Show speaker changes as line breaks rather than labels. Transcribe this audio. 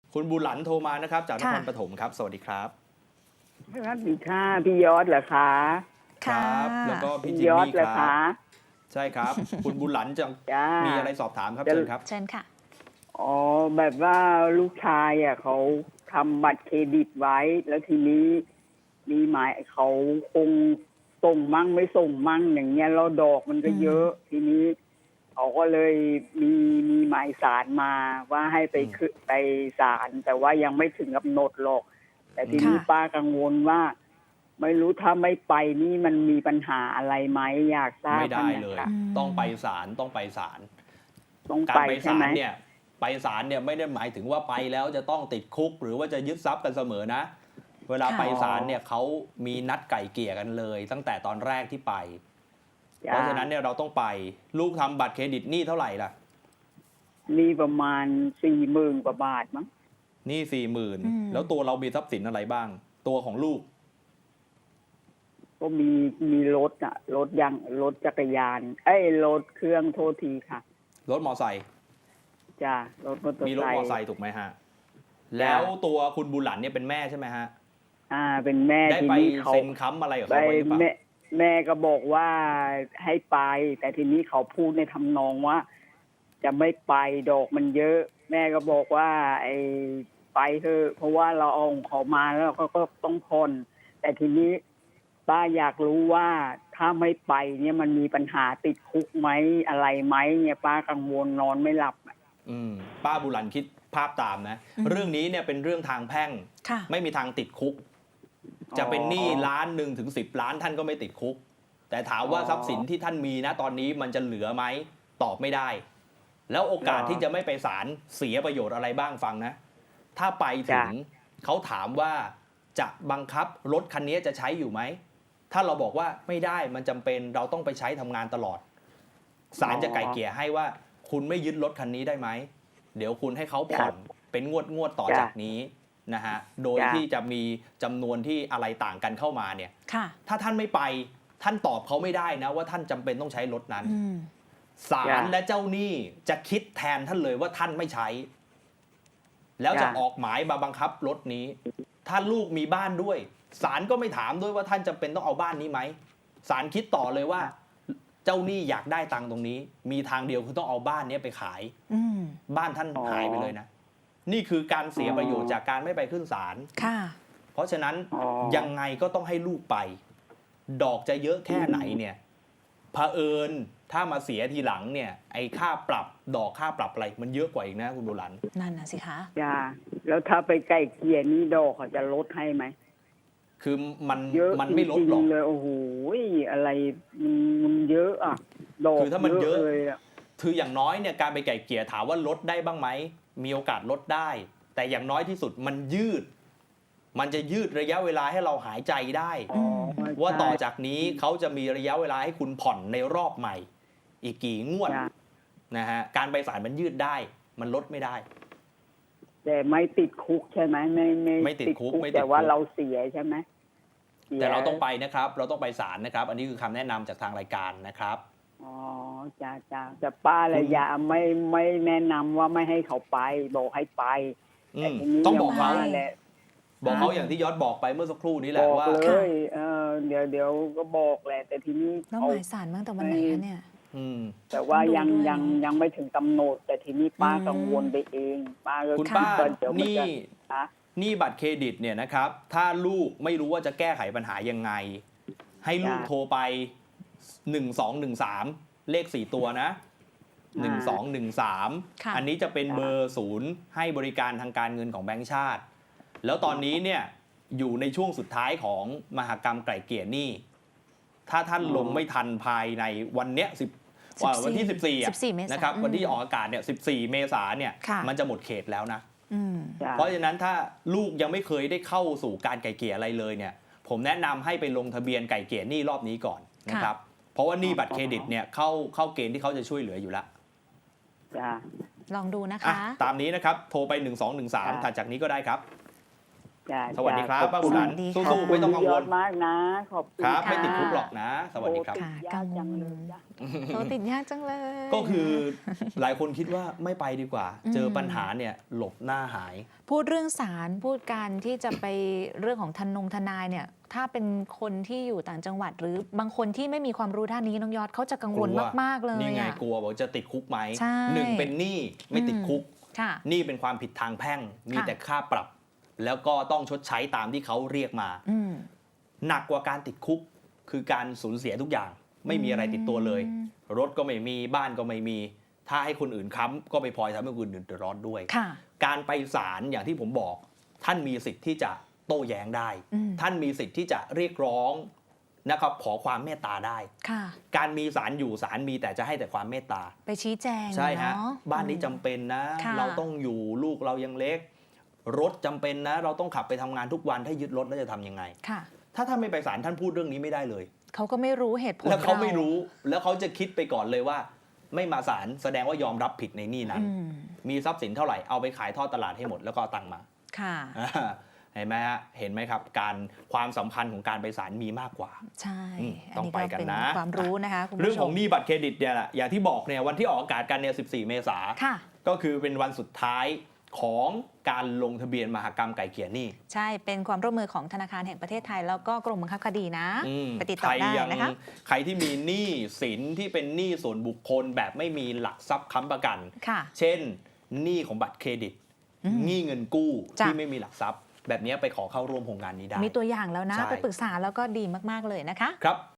คุณบุหลันโทรมานะครับจากนครปฐมครับสวัสดีครับ
สวัสดีค่ะพี่ยอดเหรอคะ
ครับแล้วก็พี่จิม
ยอด
มี่
เหรอ
ค
คะ
รับใช่ครับ คุณบุหลันจะ
จ้า
มีอะไรสอบถามครับ
จะ
เชิญครับ
เชิญค่ะ
อ๋อแบบว่าลูกชายเขาทำบัตรเครดิตไว้ แล้วทีนี้มีหมายเขาคงส่งมั่งไม่ส่งมั่งอย่างเงี้ยแล้วดอกมันก็เยอะ ทีนี้เขาก็เลยมีหมายสารมาว่าให้ไป
อืม
ไปศาลแต่ว่ายังไม่ถึงกำหนดหรอก แต่ทีนี้
ค่ะ
ป้ากังวลว่า ไม่รู้ถ้าไม่ไปนี่มันมีปัญหาอะไรไหมอยากทราบ
ไม่ได้เลย
ค่ะ
ต้องไปศาลต้องไปศาล
ต้อง
การ
ไป
ไป
ใช่
ศา
ไหม
ลเนี่ยไปศาลเนี่ยไม่ได้หมายถึงว่าไปแล้วจะต้องติดคุก หรือว่าจะยึดทรัพย์กันเสมอนะ เวลา
ค่ะ
ไปศาลเนี่ยเขามีนัดไก่เกลี่ยกันเลย ตั้งแต่ตอนแรกที่ไป
จ้
เพราะฉะนั้นเนี่ยเราต้องไปลูกทำบัตรเครดิตหนี้เท่าไหร่ล่ะ
มีประมาณ40,000 กว่าบาทมั้ง
หนี้40,000
อืม
แล้วตัวเรามีทรัพย์สินอะไรบ้าง ตัวของลูก
ก็มีรถอะรถจักรยานรถเครื่องโทษทีค่ะ
รถมอไซค์
จ้ารถมอเตอ
มี
ร์
รถ
ไซ
มอ
ค์
ไซค์ถูกไหมฮะ แล้วตัวคุณบุหลันเนี่ยเป็นแม่ใช่ไหมฮะ
เป็นแม่
ได้
ที
ไป
นี้เขา
เซ็นค้ำอะไรกับ
ไป
เขาไว้หรือเปล่า
แม่ก็บอกว่าให้ไป แต่ทีนี้เขาพูดในทำนองว่า จะไม่ไปดอกมันเยอะ แม่ก็บอกว่า ไปเถอะเพราะว่าเราเอาของเขามาแล้วเราก็ต้องผ่อนแต่ทีนี้ป้าอยากรู้ว่าถ้าไม่ไปเนี่ยมันมีปัญหาติดคุกไหมอะไรไหมเนี่ยป้ากังวลนอนไม่หลับอะ
ป้าบุหลันคิดภาพตามนะ
อืม
เรื่องนี้เนี่ยเป็นเรื่องทางแพ่ง
ค่ะ
ไม่มีทางติดคุก จะเป็นหนี้1 ถึง 10 ล้านท่านก็ไม่ติดคุก แต่ถามว่าทรัพย์สินที่ท่านมีนะตอนนี้มันจะเหลือไหมตอบไม่ได้ แล้วโอกาสที่จะไม่ไปศาลเสียประโยชน์อะไรบ้างฟังนะ ถ้าไปถึงเขาถามว่าจะบังคับรถคันนี้จะใช้อยู่ไหม ถ้าเราบอกว่าไม่ได้มันจำเป็นเราต้องไปใช้ทำงานตลอดศาลจะไกล่เกลี่ยให้ว่า คุณไม่ยึดรถคันนี้ได้ไหมเดี๋ยวคุณให้เขาผ่อนเป็นงวดต่อจากนี้นะฮะโดยที่จะมีจำนวนที่อะไรต่างกันเข้ามาเนี่ย
ค่ะ
ถ้าท่านไม่ไปท่านตอบเขาไม่ได้นะว่าท่านจำเป็นต้องใช้รถนั้น
อืม
ศาลและเจ้าหนี้จะคิดแทนท่านเลยว่าท่านไม่ใช้ แล้วจะออกหมายมาบังคับรถนี้ ถ้าลูกมีบ้านด้วยศาลก็ไม่ถามด้วยว่าท่านจำเป็นต้องเอาบ้านนี้ไหมศาลคิดต่อเลยว่า เจ้าหนี้อยากได้ตังค์ตรงนี้ มีทางเดียวคือต้องเอาบ้านนี้ไปขาย
อืม
บ้านท่านหายไปเลยนะ นี่คือการเสียประโยชน์จากการไม่ไปขึ้นศาล
ค่ะ
เพราะฉะนั้น
อ๋อ
ยังไงก็ต้องให้ลูกไป ดอกจะเยอะแค่ไหนเนี่ยเผอิญถ้ามาเสียทีหลังเนี่ยไอ้ค่าปรับดอกค่าปรับอะไรมันเยอะกว่าอีกนะคุณบุหลัน
นั่นน่ะสิคะ
จ้าแล้วถ้าไปไกลเกลี่ยนี่ดอกเขาจะลดให้ไหม
คือมัน
เยอะ
มันไม่ลดหรอก
จงๆเลยโอ้โหอะไรมันเยอะอ่ะดอก
คือถ้ามันเยอะ
เลยอ่ะ
คืออย่างน้อยเนี่ยการไปไก่เกลี่ยถามว่าลดได้บ้างไหมมีโอกาสลดได้ แต่อย่างน้อยที่สุดมันยืด มันจะยืดระยะเวลาให้เราหายใจได้
อ๋อ
ว่าต่อ
ใช่
จากนี้เขาจะมีระยะเวลาให้คุณผ่อนในรอบใหม่ อีกกี่งวด
จ้ะ
นะฮะการไปศาลมันยืดได้ มันลดไม่ได้
แต่ไม่ติดคุกใช่ไหม
ไม่ติดคุกไม่ติดคุก
แต่ว่าเราเสียใช่ไหมสีย
แต่เราต้องไปนะครับ เราต้องไปศาลนะครับ อันนี้คือคำแนะนำจากทางรายการนะครับ
อ๋อจ้าแต่ป้าระยะไม่แนะนำว่าไม่ให้เขาไปบอกให้ไป
อื
แต่
ม
ทีนี้
ต้องบอกเขา
ย่งว่แหละ
บอกเขาอย่างที่ยอดบอกไปเมื่อสักครู่นี้แหละ
บอก
ว่า
เลยเดี๋ยวก็บอกแหละ แต่ทีนี้
แล้ว
เขา
หมายสารตั้งแต่วันไหนคะเนี่ย
อืม
แต่ว่า
ต้องดู
ยัง
ด้วย
ยังไม่ถึงกำหนด แต่ทีนี้ป้า
อืม
กังวลไปเอง ป้าก็
คุณ
ด
ป้า
ว่าเดี๋ยวมัน
นี่
จะฮะ
หนี้บัตรเครดิตเนี่ยนะครับ ถ้าลูกไม่รู้ว่าจะแก้ไขปัญหายังไง ให้ลูก
จ้ะ
โทรไป 1213 เลข 4 ตัวนะ 1213
ค่ะ
อันนี้จะเป็นเบอร์ศูนย์ให้บริการทางการเงินของแบงก์ชาติ แล้วตอนนี้เนี่ยอยู่ในช่วงสุดท้ายของมหกรรมไกล่เกลี่ยหนี้ถ้าท่านลงไม่ทันภายในวันเนี้ยวันที่ 14อ่ะ
14 เมษายน
นะครับ
อืม
วันที่ออกอากาศเนี่ย14 เมษายนเนี่ย
ค่ะ
มันจะหมดเขตแล้วนะ
อืม
จ้ะ
เพราะฉะนั้นถ้าลูกยังไม่เคยได้เข้าสู่การไกล่เกลี่ยอะไรเลยเนี่ย ผมแนะนำให้ไปลงทะเบียนไกล่เกลี่ยหนี้รอบนี้ก่อนนะครับ เพราะว่าหนี้บัตรเครดิตเนี่ยเข้าเกณฑ์ที่เขาจะช่วยเหลืออยู่แล้ว
จ้ะ
ลองดูนะ
อ่ะ
คะ
ตามนี้นะครับ โทรไป
จ้ะ
1213ถัดจากนี้ก็ได้ครับ
จ้ะ
สวัสดีครับ
ขอ
ป้า
คุ
บุ
ณ
หลัน
สวัสดี
สู้
ค่ะ
ๆไม่ต้องกัง
ยว อ
ล
ดมากนะขอบคุณ
ครับ
ะ
ไม่ติดคุกหรอกนะ สวัสดีครับ
โอ้ติดยากจังเลยจ้ะ
โทรติดยากจังเลย
ก็คือหลายคนคิดว่าไม่ไปดีกว่า
อืม
เจอปัญหาเนี่ยหลบหน้าหาย
พูดเรื่องศาลพูดการที่จะไปเรื่องของทนายเนี่ย ถ้าเป็นคนที่อยู่ต่างจังหวัด หรือบางคนที่ไม่มีความรู้ด้านนี้น้องยอดเขาจะกังวล
กลัว
มากๆเลย
นี่ไง
อะ
กลัวบอกจะติดคุกไหม
ใช่
หนึ่งเป็นหนี้ไม่ติดคุก
ค่ะ
หนี้เป็นความผิดทางแพ่ง มี
ค่ะ
แต่ค่าปรับ แล้วก็ต้องชดใช้ตามที่เขาเรียกมา
อืม
หนักกว่าการติดคุก คือการสูญเสียทุกอย่าง ไม่มีอะไรติดตัวเลย รถก็ไม่มีบ้านก็ไม่มี ถ้าให้คนอื่นค้ำก็ไปพลอยทำให้คนอื่นเดือดร้อนด้วย
ค่ะ
การไปศาลอย่างที่ผมบอก ท่านมีสิทธิ์ที่จะโต้แย้งได้
อืม
ท่านมีสิทธิ์ที่จะเรียกร้องนะครับขอความเมตตาได้
ค่ะ
การมีศาลอยู่ศาลมีแต่จะให้แต่ความเมตตา
ไปชี้แจง
ใช่ฮะ
เนาะ
บ้านนี้จำเป็นนะ
ค่ะ
เราต้องอยู่ลูกเรายังเล็ก รถจำเป็นนะ เราต้องขับไปทำงานทุกวันถ้ายึดรถแล้วจะทำยังไง
ค่ะ
ถ้าท่านไม่ไปศาลท่านพูดเรื่องนี้ไม่ได้เลย
เขาก็ไม่รู้เหตุผล
แล้วเขาไม่รู้แล้วเขาจะคิดไปก่อนเลยว่า ไม่มาศาลแสดงว่ายอมรับผิดในหนี้นั้น
อืม
มีทรัพย์สินเท่าไหร่เอาไปขายทอดตลาดให้หมดแล้วก็เอาตังค์มา
ค่ะ
เห็นไหมฮะเห็นไหมครับ การความสำคัญของการไปศาลมีมากกว่า
ใช่
ต้องไปกันนะ
เป็ความรู้นะคะคุณผู้ชม
เรื่องของหนี้บัตรเครดิตเนี่ยแหละอย่างที่บอกเนี่ยวันที่ออกอากาศกันเนี่ย14 เมษา
ค่ะ
ก็คือเป็นวันสุดท้ายของการลงทะเบียนมหกรรมไก่เกลี่ยหนี้
ใช่เป็นความร่วมมือของธนาคารแห่งประเทศไทย แล้วก็กรมบังคับคดีนะ
อืม
ไปติดต่อได้นะคะ
ใครที่มีหนี้สินที่เป็นหนี้ส่วนบุคคลแบบไม่มีหลักทรัพย์ค้ำประกัน
ค่ะ
เช่นหนี้ของบัตรเครดิต
อืม
หนี้เงินกู้
จ้ะ
ที่ไม่มีหลักทรัพย์ แบบนี้ไปขอเข้าร่วมโครงการนี้ได้
มีตัวอย่างแล้วนะ
ใช่
ไปปรึกษาแล้วก็ดีมาก ๆ เลยนะคะ
ครับ